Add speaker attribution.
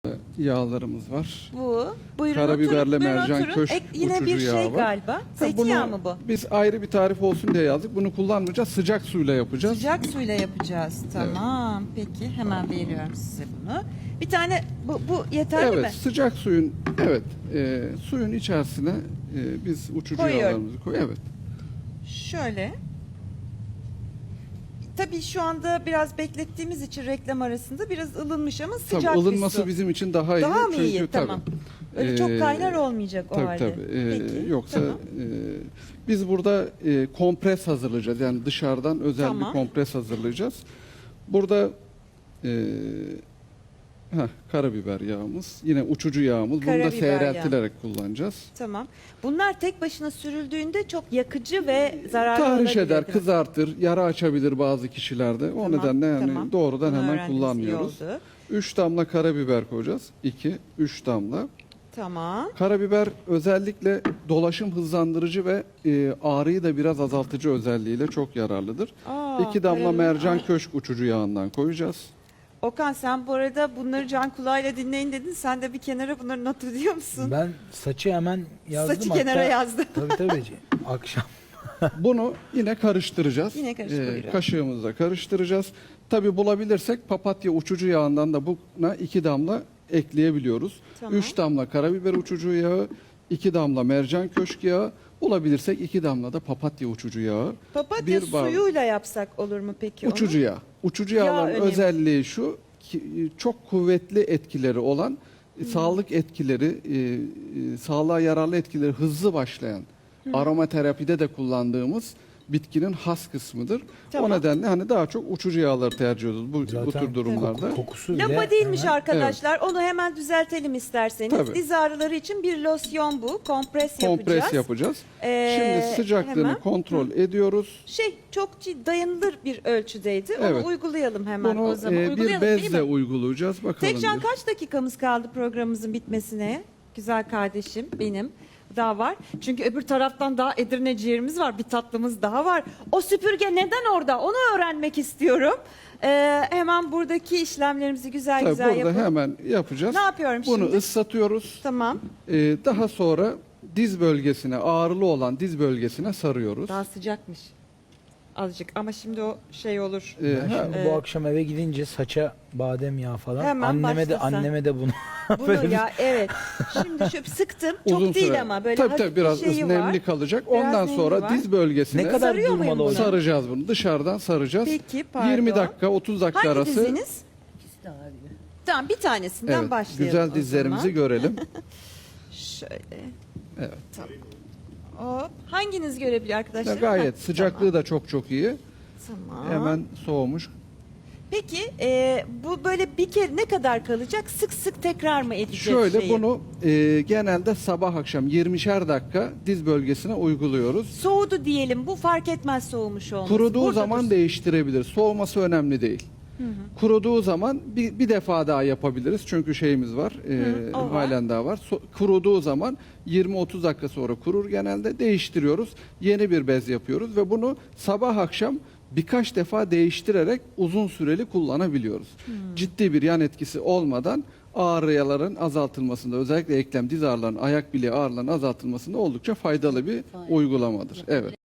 Speaker 1: Yağlarımız var.
Speaker 2: Bu. Buyurun
Speaker 1: Karabiberle
Speaker 2: oturun. Buyurun
Speaker 1: mercan
Speaker 2: oturun.
Speaker 1: köşk
Speaker 2: Yine
Speaker 1: uçucu
Speaker 2: bir şey
Speaker 1: yağı var.
Speaker 2: galiba. Zeytinyağı mı bu?
Speaker 1: Biz ayrı bir tarif olsun diye yazdık. Bunu kullanmayacağız. Sıcak suyla yapacağız.
Speaker 2: Sıcak suyla yapacağız. Tamam. Peki hemen veriyorum size bunu. Bir tane bu yeterli mi?
Speaker 1: Evet, sıcak suyun suyun içerisine biz uçucu
Speaker 2: Koyuyorum.
Speaker 1: yağlarımızı koyuyoruz. Evet.
Speaker 2: Şöyle. Tabii şu anda biraz beklettiğimiz için reklam arasında biraz ılınmış ama sıcak
Speaker 1: Tabii
Speaker 2: bir
Speaker 1: ılınması
Speaker 2: su.
Speaker 1: bizim için daha iyi.
Speaker 2: Daha mı
Speaker 1: Çünkü
Speaker 2: iyi? Tamam. Öyle çok kaynar olmayacak o
Speaker 1: tabii,
Speaker 2: halde.
Speaker 1: Tabii.
Speaker 2: Peki.
Speaker 1: Yoksa
Speaker 2: tamam.
Speaker 1: biz burada kompres hazırlayacağız. Yani dışarıdan özel
Speaker 2: Tamam.
Speaker 1: bir kompres hazırlayacağız. Burada karabiber yağımız, yine uçucu yağımız. Bunu da
Speaker 2: Karabiber
Speaker 1: seyreltilerek kullanacağız.
Speaker 2: Tamam. Bunlar tek başına sürüldüğünde çok yakıcı ve zararlı
Speaker 1: Tahriş
Speaker 2: olabilir,
Speaker 1: eder,
Speaker 2: değil mi?
Speaker 1: kızartır, yara açabilir bazı kişilerde. O
Speaker 2: Tamam,
Speaker 1: nedenle yani
Speaker 2: tamam.
Speaker 1: doğrudan
Speaker 2: Bunu
Speaker 1: hemen
Speaker 2: öğrendiğimiz iyi
Speaker 1: kullanmıyoruz.
Speaker 2: oldu.
Speaker 1: 3 damla karabiber koyacağız. 2-3 damla.
Speaker 2: Tamam.
Speaker 1: Karabiber özellikle dolaşım hızlandırıcı ve ağrıyı da biraz azaltıcı özelliğiyle çok yararlıdır. 2 damla
Speaker 2: karabiber.
Speaker 1: mercan köşk uçucu yağından koyacağız.
Speaker 2: Okan sen bu arada bunları can kulağıyla dinleyin dedin. Sen de bir kenara bunları not ediyor musun?
Speaker 3: Ben saçı hemen yazdım.
Speaker 2: Saçı kenara yazdı.
Speaker 3: Tabii. Akşam.
Speaker 1: Bunu yine karıştıracağız.
Speaker 2: Yine karıştırıyoruz.
Speaker 1: Kaşığımızla karıştıracağız. Tabi bulabilirsek papatya uçucu yağından da buna 2 damla ekleyebiliyoruz.
Speaker 2: Tamam.
Speaker 1: 3 damla karabiber uçucu yağı, 2 damla mercan köşk yağı, bulabilirsek 2 damla da papatya uçucu yağı.
Speaker 2: Papatya
Speaker 1: Bir bardak-
Speaker 2: suyuyla yapsak olur mu peki
Speaker 1: Uçucu
Speaker 2: onu?
Speaker 1: yağ. Uçucu
Speaker 2: Yağ
Speaker 1: yağların
Speaker 2: önemli.
Speaker 1: özelliği şu, çok kuvvetli etkileri olan, sağlık etkileri, sağlığa yararlı etkileri hızlı başlayan, aromaterapide de kullandığımız bitkinin has kısmıdır.
Speaker 2: Tamam.
Speaker 1: O nedenle hani daha çok uçucu yağları tercih ediyoruz bu tür durumlarda.
Speaker 3: Kokusu bile
Speaker 2: Lapa değilmiş
Speaker 3: hemen-
Speaker 2: arkadaşlar. Onu hemen düzeltelim isterseniz.
Speaker 1: Tabii.
Speaker 2: Diz ağrıları için bir losyon bu. Kompres
Speaker 1: Kompres yapacağız. Şimdi sıcaklığını
Speaker 2: hemen.
Speaker 1: kontrol ediyoruz.
Speaker 2: Çok dayanılır bir ölçüdeydi. Onu
Speaker 1: Evet.
Speaker 2: uygulayalım hemen
Speaker 1: Bunu
Speaker 2: o zaman.
Speaker 1: bir
Speaker 2: Uygulayalım değil
Speaker 1: bezle
Speaker 2: mi?
Speaker 1: uygulayacağız. Bakalım.
Speaker 2: Tekcan
Speaker 1: bir.
Speaker 2: kaç dakikamız kaldı programımızın bitmesine? Güzel kardeşim benim. Daha var. Çünkü öbür taraftan daha Edirne ciğerimiz var. Bir tatlımız daha var. O süpürge neden orada? Onu öğrenmek istiyorum. Hemen buradaki işlemlerimizi güzel
Speaker 1: Tabii
Speaker 2: güzel
Speaker 1: burada
Speaker 2: yapalım.
Speaker 1: hemen yapacağız.
Speaker 2: Ne yapıyorum
Speaker 1: Bunu
Speaker 2: şimdi?
Speaker 1: ıslatıyoruz.
Speaker 2: Tamam.
Speaker 1: Daha sonra diz bölgesine, ağrılı olan diz bölgesine sarıyoruz.
Speaker 2: Daha sıcakmış. Azıcık ama şimdi o şey olur.
Speaker 3: Ben şimdi bu akşam eve gidince saça badem yağı falan.
Speaker 2: Hemen
Speaker 3: anneme de
Speaker 2: başla sen.
Speaker 3: anneme de bunu.
Speaker 2: Bunu ya evet. Şimdi şöyle sıktım. Çok
Speaker 1: Uzun
Speaker 2: değil
Speaker 1: süre.
Speaker 2: ama böyle
Speaker 1: tabii,
Speaker 2: hafif
Speaker 1: tabii, biraz
Speaker 2: bir şeyi
Speaker 1: nemli
Speaker 2: var.
Speaker 1: kalacak.
Speaker 2: Biraz
Speaker 1: Ondan
Speaker 2: nemli
Speaker 1: sonra
Speaker 2: var.
Speaker 1: diz bölgesine
Speaker 3: Ne kadar
Speaker 2: Sarıyor muyum
Speaker 3: durmalı
Speaker 2: bunu?
Speaker 3: hocam?
Speaker 1: saracağız bunu. Dışarıdan saracağız.
Speaker 2: Peki, pardon.
Speaker 1: 20 dakika, 30 dakika
Speaker 2: Hangi
Speaker 1: arası.
Speaker 2: diziniz? Tamam bir tanesinden
Speaker 1: Evet,
Speaker 2: başlayalım
Speaker 1: güzel
Speaker 2: o
Speaker 1: dizlerimizi
Speaker 2: zaman.
Speaker 1: görelim.
Speaker 2: Şöyle.
Speaker 1: Evet.
Speaker 2: Hop. Hanginiz görebilir
Speaker 1: Ya
Speaker 2: arkadaşlar?
Speaker 1: gayet
Speaker 2: Heh,
Speaker 1: sıcaklığı da çok iyi.
Speaker 2: Tamam.
Speaker 1: Hemen soğumuş.
Speaker 2: Peki bu böyle bir kere ne kadar kalacak? Sık sık tekrar mı edeceğiz
Speaker 1: Şöyle
Speaker 2: şeyi?
Speaker 1: bunu genelde sabah akşam 20'şer dakika diz bölgesine uyguluyoruz.
Speaker 2: Soğudu diyelim. Bu fark etmez soğumuş olması.
Speaker 1: Kuruduğu
Speaker 2: Burada
Speaker 1: zaman
Speaker 2: dursun.
Speaker 1: değiştirebilir. Soğuması önemli değil. Kuruduğu zaman bir defa daha yapabiliriz. Çünkü şeyimiz var.
Speaker 2: o var.
Speaker 1: Halen daha var. Kuruduğu zaman 20-30 dakika sonra kurur genelde. Değiştiriyoruz. Yeni bir bez yapıyoruz ve bunu sabah akşam birkaç defa değiştirerek uzun süreli kullanabiliyoruz. Ciddi bir yan etkisi olmadan ağrıların azaltılmasında, özellikle eklem, diz ağrılarının, ayak bileği ağrılarının azaltılmasında oldukça faydalı bir uygulamadır. Evet.